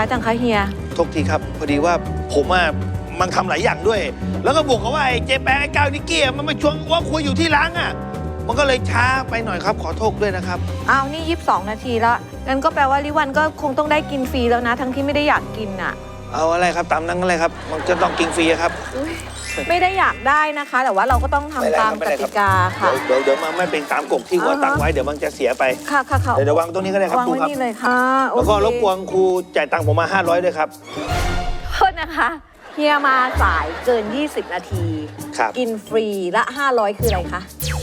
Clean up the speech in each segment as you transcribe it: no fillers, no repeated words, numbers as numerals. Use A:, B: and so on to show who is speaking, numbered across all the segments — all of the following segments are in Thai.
A: จังคะเฮีย
B: โทษทีครับพอดีว่าผมมันทำหลายอย่างด้วยแล้วก็บวกกับว่าไอ้เจแปนไอ้ก้าวนิกกี้มันมาชวนว่าคุยอยู่ที่ร้านมันก็เลยช้าไปหน่อยครับขอโทษด้วยนะครับ
A: อ้าวนี่22 นาทีแล้วงั้นก็แปลว่าลิวันก็คงต้องได้กินฟรีแล้วนะทั้งที่ไม่ได้อยากกิน
B: เอาอะไรครับตามนั้นอะไรครับมันจะต้องกินฟรีครับ
A: ไม่ได้อยากได้นะคะแต่ว่าเราก็ต้องทำตามกติกาค่ะ
B: เดี๋ยวมันไม่เป็นตามกฎที่ว่าตั้งไว้เดี๋ยวมันจะเสียไป
A: ค่ะ
B: เดี๋ยววางตรงนี้ก็ได้ครับ
A: ครูครับวางไว้นี่เลยค่ะ
B: แล้วก็รบกวนครูจ่ายตังค์ผมมา500ด้วยครับ
A: โทษนะคะเฮียมาสายเกิน20 นาทีกินฟรีละ500คืออะไรคะ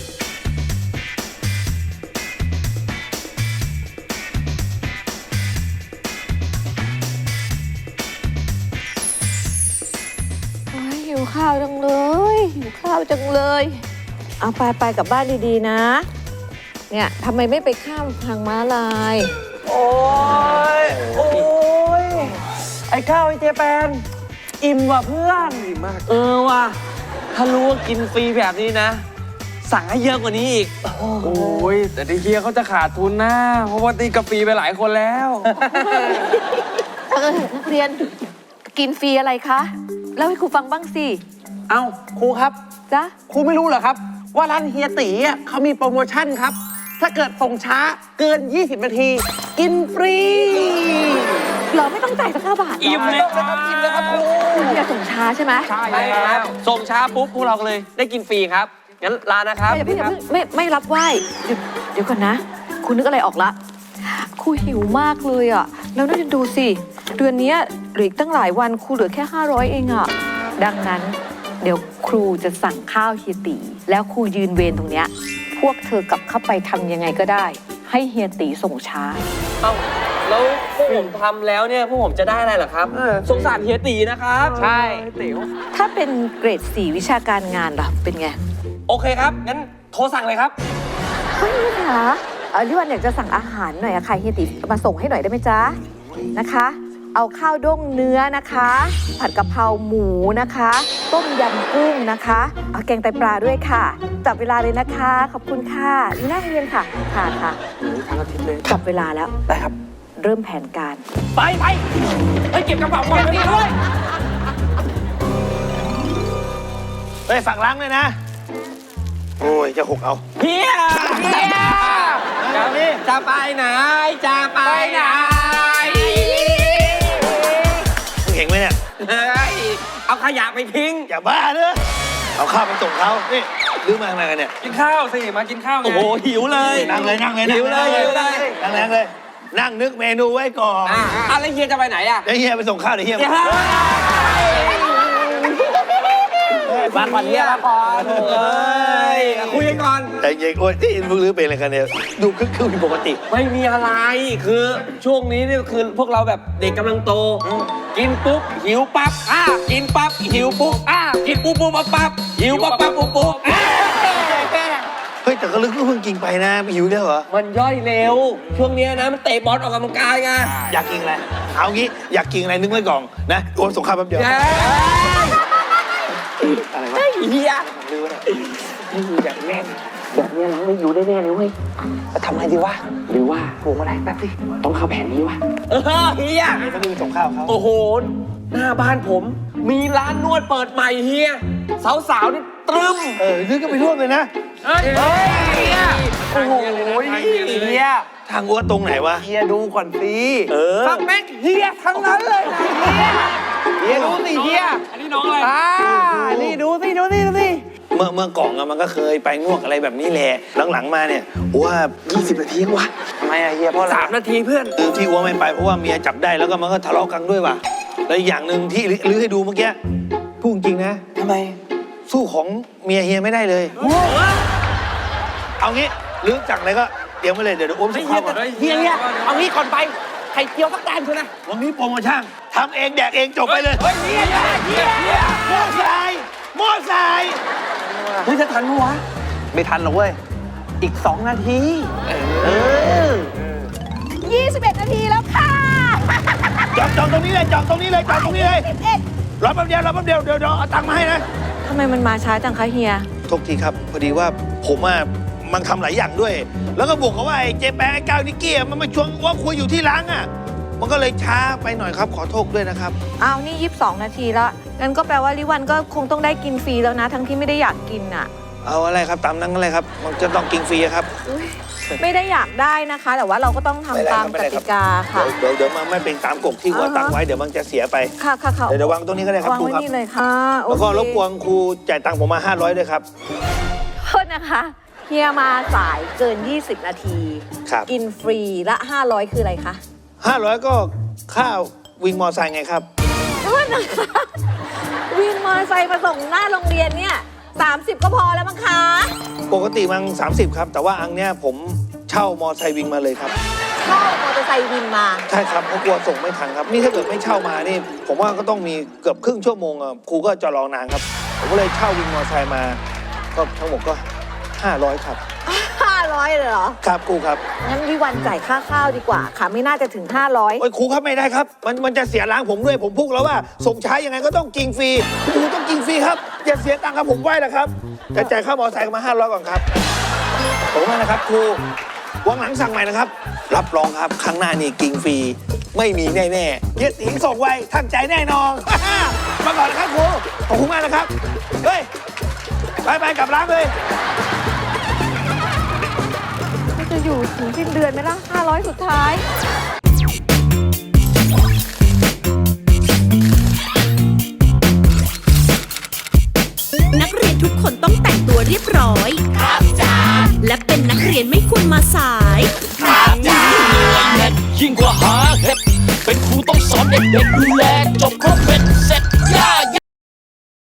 A: หิวข้าวจังเลยหิวข้าวจังเลยเอาไปกลับบ้านดีๆนะเนี่ยทำไมไม่ไปข้ามทางม้าลาย
C: โอ้ยไอ้ข้าวไอ้เจแปนอิ่มว่ะเพื่อนอิ่มมากว่ะถ้ารู้ว่ากินฟรีแบบนี้นะสั่งให้เยอะกว่านี้อีกโอ้ยแต่ที่เฮียเขาจะขาดทุนนะเพราะว่าตีกาแฟไปหลายคนแล้ว
A: นักเรียนกินฟรีอะไรคะเล่าให้ครูฟังบ้างสิ
C: เอ้าครูครับ
A: จ๊ะ
C: ครูไม่รู้เหรอครับว่าร้านเฮียตีเขามีโปรโมชั่นครับถ้าเกิดส่งช้าเกิน20 นาทีกินฟรี
A: เราไม่ต้องจ่ายสัก9 บาท
C: อิ่มเลยครับอิ่มเลยครับครู
A: อย่าส่งช้าใช่ไหม
C: ใช่ครับส่งช้าปุ๊บพวกเราเลยได้กินฟรีครับงั้นลานะครับ
A: อย่าเพิ่งไม่รับไหว้เดี๋ยวก่อนนะคุณนึกอะไรออกละครูหิวมากเลยแล้วน่าจะดูสิเดือนนี้เหลืออีกตั้งหลายวันครูเหลือแค่500เองดังนั้นเดี๋ยวครูจะสั่งข้าวเฮียตีแล้วครูยืนเวรตรงเนี้ยพวกเธอกลับเข้าไปทำยังไงก็ได้ให้เฮียตีส่งช้า
C: เอ้าแล้วพวกผมทำแล้วเนี่ยพวกผมจะได้อะไรเหรอครับสงสารเฮียตีนะครับใช่ติ๋ว
A: ถ้าเป็นเกรด4วิชาการงานล่ะเป็นไง
C: โอเคครับงั้นโทรสั่งเลยครับ
A: เฮ้ยค่ะลิวันอยากจะสั่งอาหารหน่อยค่ะเฮียตีมาส่งให้หน่อยได้ไหมจ๊ะนะคะเอาข้าวด้งเนื้อนะคะผัดกะเพราหมูนะคะต้มยำกุ้งนะคะเอาแกงไตปลาด้วยค่ะจับเวลาเลยนะคะขอบคุณค่ะนี่น่าเรียนค่ะค่ะ
C: ทั้งอาทิตย์เลย
A: จับเวลาแล้ว
C: ได้ครับ
A: เริ่มแผนการ
C: ไปเก็บกระเป๋าก่อนด้วย
B: ฝากล้างเลยนะโอ้ยจะหกเอา
C: เฮียจะไปไหนจะไปไหน
B: มึงเห็นไหมเนี่ย
C: เอาขยะไปทิ้ง
B: อย่าบ้าเนอะเอาข้าวไปส่งเขานี่ดื้อมาอะไรกันเนี่ย
C: กินข้าวสิมากินข้าวไงโอ้โหหิวเลย
B: นั่งเลย
C: หิวเลย
B: นั่งเลยนั่งนึกเมนูไว้ก่อน
C: อะไรเฮียจะไปไหน
B: เดี๋ยวเฮียไปส่งข้าวเดี๋ยวเฮีย
C: มาก่อนเฮียมาก่อนคุยกันก่อน
B: แต่เย็นโอ้ยที่มึงลื้อเป็นอะไรกันเนี่ยดูคึกคืนปกติ
C: ไม่มีอะไรคือช่วงนี้นี่คือพวกเราแบบเด็กกำลังโตกินปุ๊บหิวปั๊บกินปั๊บหิวปุ๊บกินปุ๊บปั๊บหิวปั๊บปุ๊บ
B: เฮ้ยแต่ก็ลึกก็เพิ่งกินไปนะหิวแล้วเหรอ
C: มันย่อยเร็วช่วงนี้นะมันเตะบอลออกกำลังกายไง
B: อยากกินอะไรเอางี้อยากกินอะไรนึกไว้ก่อนนะโอนส่งข้าวแป๊บเดียว
C: อะไรวะเฮียลืมเลยนี่อย่างแน่นแบบนี้เราไม่อยู่ได้แน่เลยเว้ยทำไงดีวะหรือว่าปรุงอะไรแป๊บสิต้องเข้าแผนนี้วะเฮีย
B: ต้องมีส่งข้าวเขา
C: โอ้โหหน้าบ้านผมมีร้านนวดเปิดใหม่เฮียสาวๆนี่ตรึม
B: นึกก็ไปร่วมเลยนะ
C: เฮียโอ้โหเฮีย
B: ทางวัวตรงไหนวะ
C: เฮียดูก่อนสิฟังแม็กเฮียทั้งนั้นเลยเฮียดูสิเฮียอันนี้น้องอะไรนี่ดูสิ
B: เมื่อกล่องมันก็เคยไปนวดอะไรแบบนี้แหละหลังๆมาเนี่ยว่า20 นาทีวะ
C: ทำไมเฮียเพราะ3 นาทีเพื่อน
B: ที่วัวไม่ไปเพราะว่าเมียจับได้แล้วก็มันก็ทะเลาะกันด้วยว่ะแล้วอย่างหนึ่งที่ลื้อให้ดูเมื่อกี้พูดจริงนะ
C: ทำไม
B: สู้ของเมียเฮียไม่ได้เลยเอางี้ลื้อจากอะไรก็เตรียมไว้เลยเดี๋ยวอ้วมส่งข้าวก่อน
C: เฮียเอางี้ก่อนไปไข่เจียวสักจานเถอะนะ
B: วันนี้โปรโมชั่นทำเองแดกเองจบไปเลย
C: เฮีย
B: หม้อทราย
C: เฮ้ยจะทันมั้ยวะไม่ทันหรอกเว้ยอีก2 นาที
A: 21 นาทีแล้วค่ะ
B: จองตรงนี้เลยรอแป๊บเดียวเดี๋ยวเอาตังค์มาให้นะ
A: ทำไมมันมาช้าจังคะเฮีย
B: โทษทีครับพอดีว่าผมมันทำหลายอย่างด้วยแล้วก็บวกกับว่าไอ้เจแปนไอ้ก้าวนิกกี้มันมาชวนว่าคุยอยู่ที่ร้านมันก็เลยช้าไปหน่อยครับขอโทษด้วยนะครับ
A: อ้าวนี่22 นาทีละงั้นก็แปลว่าลิวันก็คงต้องได้กินฟรีแล้วนะ ทั้งที่ไม่ได้อยากกินอ่ะ
B: เอาอะไรครับตามนั้นอะไรครับ มันจะต้องกินฟรีครับ
A: อุ๊ยไม่ได้อยากได้นะคะ แต่ว่าเราก็ต้องทำตามกติกาค่ะ
B: เดี๋ยวมันไม่เป็นตามกฎที่ว่าตั้งไว้เดี๋ยวมันจะเสียไป
A: ค่ะค่ะค่ะ
B: เดี๋ยววางตรงนี้ก็ได้ครับ
A: วาง
B: ครู
A: ไว้
B: ครับ
A: นี่เลยค่ะ
B: แล้วก็
A: โอเค
B: รบกวนครูจ่ายตังค์ผมมา500ด้วยครับ
A: โทษนะคะเฮียมาสายเกิน 20 นาที
B: ครับ
A: กินฟรีละ500คืออะไรคะ
B: 500ก็ค่าวิ่งมอไซค์ไงครับ
A: โทษนะคะวินมอเตอร์ไซค์มาส่งหน้าโรงเรียนเนี่ย30 ก็พอแล้วมั้งคะ
B: ปกติมัน30ครับแต่ว่าอันเนี้ยผมเช่ามอไซค์วิ่งมาเลยครับ
A: เช่ามอเตอร์ไซค์วินมา
B: ใช่ครับเพราะกลัวส่งไม่ทันครับนี่ถ้าเกิดไม่เช่ามานี่ผมว่าก็ต้องมีเกือบครึ่งชั่วโมงอะครูก็จะรอนานครับผมก็เลยเช่าวิ่งมอไซค์มาก็ทั้งหมดก็500ครับ
A: 500เลยเหรอ
B: ครับครูครับ
A: งั้นวิวันจ่ายค่าข้าวดีกว่าค่ะ ไม่น่าจะถึง 500
B: โอ้ยครูครับไม่ได้ครับมันจะเสียล้างผมด้วยผมพูดแล้วว่าส่งช้ายังไงก็ต้องกินฟรีครูต้องกินฟรีครับอย่าเสียตังค์ครับผมไหวแล้วครับจะจ่ายค่ามอไซค์มา500ก่อนครับผมว่านะครับครูวันหลังสั่งใหม่นะครับ รับรองครับครั้งหน้านี่กินฟรีไม่มีแน่ๆเฮียติ๋งส่งไวทั้งใจแน่นอน มาก่อนนะครับครูขอบคุณมากนะครับเฮ้ยไปกลับร้านเลย
A: จะอยู่ถึงสิ้นเดือนไหมล่ะ 500 สุดท้าย
D: นักเรียนทุกคนต้องแต่งตัวเรียบร้อย ครับจ้าและเป็นนักเรียนไม่ควรมาสาย
E: ยิ่งกว่าหาเห็ดเป็นครูต้องสอนเด็กๆดูแลจบครบเป็น